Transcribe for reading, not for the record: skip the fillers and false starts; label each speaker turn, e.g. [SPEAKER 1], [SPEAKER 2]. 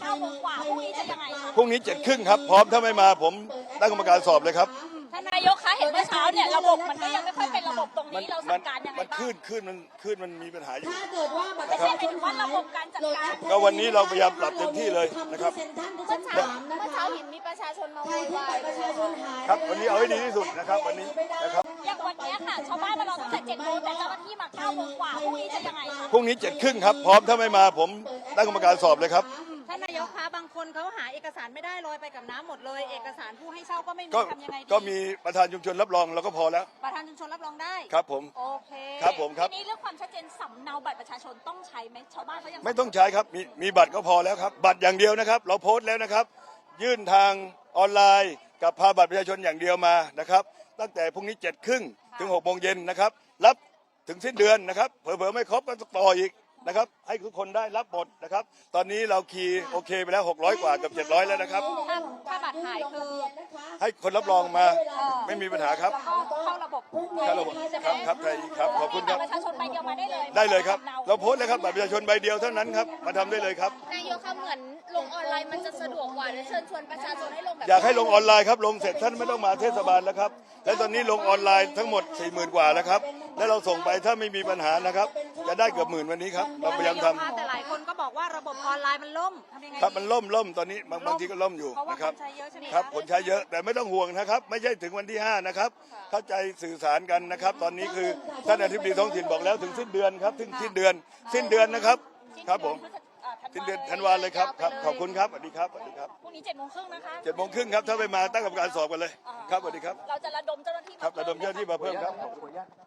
[SPEAKER 1] 9 โมงกว่าพรุ่งนี้จะยังไงคะ
[SPEAKER 2] พรุ่งนี้7:30ครับพร้อมถ้าไม่มาผมตั้งกรรมการสอบเลยครับ
[SPEAKER 1] ท่านนายกคะเห็นเมื่อเช้าเนี่ยระบบมันก็ยังไม่ค่อยเป็นระบบตรงนี้เราสั่งการยังไง
[SPEAKER 2] มัน
[SPEAKER 1] บ้าง
[SPEAKER 2] ขึ้นมันมีปัญหาอยู่
[SPEAKER 3] ถ้าเกิดว่าบัตร
[SPEAKER 1] ไม่
[SPEAKER 3] ประ
[SPEAKER 1] ใช่
[SPEAKER 3] ชา
[SPEAKER 1] หมาย
[SPEAKER 3] ชน
[SPEAKER 1] ถึงว่าระบบการจัดการ
[SPEAKER 2] ก็วันนี้เราพยายามปรับเต็มที่เลยนะครับ
[SPEAKER 3] ทำที่เซ็นทรัลทุก
[SPEAKER 4] เมื่
[SPEAKER 3] ชั้
[SPEAKER 4] อน เช้า
[SPEAKER 3] 3นะ
[SPEAKER 4] เมื่อ
[SPEAKER 3] คะ
[SPEAKER 4] เช้าเห็นมีประชาชนมา
[SPEAKER 3] ใค
[SPEAKER 4] โว
[SPEAKER 3] ร
[SPEAKER 4] ย
[SPEAKER 3] ที่
[SPEAKER 4] วา
[SPEAKER 3] บั
[SPEAKER 4] ย
[SPEAKER 3] ตรประชาชนหาย
[SPEAKER 2] ครับวันนี้เอาให้ดีที่สุดนะครับวันนี้นะครับ
[SPEAKER 1] อย่างวันนี้ค่ะชาวบ้านมารอตั้งแต่7 โมงแต่เจ้าหน้าที่มา9 โมงกว่าพรุ่งนี้จะยังไงคะ
[SPEAKER 2] พรุ่งนี้7:30ครับพร้อมถ้าไม่มาผมตั้งกรรมการสอบเลยครับ
[SPEAKER 5] ท่านนายกคะบางคนเขาหาเอกสารไม่ได้ลอยไปกับน้ำหมดเลย เอกสารผู้ให้เช่าก็ไม่มี
[SPEAKER 2] ก็
[SPEAKER 5] ทำยังไงดี
[SPEAKER 2] ก็มีประธานชุมชนรับรองเราก็พอแล้ว
[SPEAKER 5] ประธานชุมชนรับรองได้
[SPEAKER 2] ครับผม
[SPEAKER 5] โอเค
[SPEAKER 2] ครับผมครับ
[SPEAKER 1] ทีนี้เรื่องความชัดเจนสำเนาบัตรประชาชนต้องใช้ไหมชาวบ้านเขายัง
[SPEAKER 2] ไม่ต้องใช้ครับมีบัตรก็พอแล้วครับบัตรอย่างเดียวนะครับเราโพสต์แล้วนะครับยื่นทางออนไลน์กับพาบัตรประชาชนอย่างเดียวมานะครับตั้งแต่พรุ่งนี้7:30ถึง6 โมงเย็นนะครับรับถึงสิ้นเดือนนะครับเผลอๆไม่ครบก็ต่ออีกนะครับให้ทุกคนได้รับหมดนะครับตอนนี้เราคีย์โอเคไปแล้ว600 กว่ากับ700แล้วนะครับ
[SPEAKER 5] ถ้าบัตรหายคือ
[SPEAKER 2] ให้คนรับรองมาไม่มีปัญหาครับ
[SPEAKER 5] เข้าระบบ
[SPEAKER 2] ครับระบบครับไทยครับขอบคุณครับ
[SPEAKER 1] ประชาชนใบเดียวมาได้เลย
[SPEAKER 2] ได้เลยครับเราโพสต์เลยครับบัตรประชาชนใบเดียวเท่านั้นครับมาทำได้เลยครับ
[SPEAKER 4] นายกคะเหมือนลงออนไลน์มันจะสะดวกกว่าและเชิญชวนประชาชนให้ลงแบบ
[SPEAKER 2] อยากให้ลงออนไลน์ครับลงเสร็จท่านไม่ต้องมาเทศบาลแล้วครับและตอนนี้ลงออนไลน์ทั้งหมด 40,000 กว่าแล้วครับและเราส่งไปถ้าไม่มีปัญหานะครับจะได้เกือบ10,000วันนี้ครับเราพยายามทำ
[SPEAKER 5] แต่หลายคนก็บอกว่าระบบออนไลน์มันล่มทำยังไง
[SPEAKER 2] ครับมันล่มตอนนี้บางทีก็ล่มอยู่
[SPEAKER 5] เพราะว่า
[SPEAKER 2] นะ
[SPEAKER 5] ค
[SPEAKER 2] ครับ
[SPEAKER 5] นใช้เยอะใช่ไหม
[SPEAKER 2] ครับคนใช้เยอะแต่ไม่ต้องห่วงนะครับไม่ใช่ถึงวันที่5นะครับเข้าใจสื่อสารกันนะครับตอนนี้คือท่านอธิบดีท้องถิ่นบอกแล้วถึงสิ้นเดือนครับถึงสิ้นเดือนนะครับครับผมสิ้นเดือนธันวาเลยครับขอบคุณครับสวัสดีครับสวัสดีครับ
[SPEAKER 1] พรุ่งนี้7:30นะคะ
[SPEAKER 2] 7:30ครับถ้าไม่มาตั้งกรรมการสอบกันเลยครับสวัสดีครับ
[SPEAKER 1] เราจะระดมเจ้าหน้าที่
[SPEAKER 2] ครับระดมเจ้าหน้าที่มาเพิ่มครับ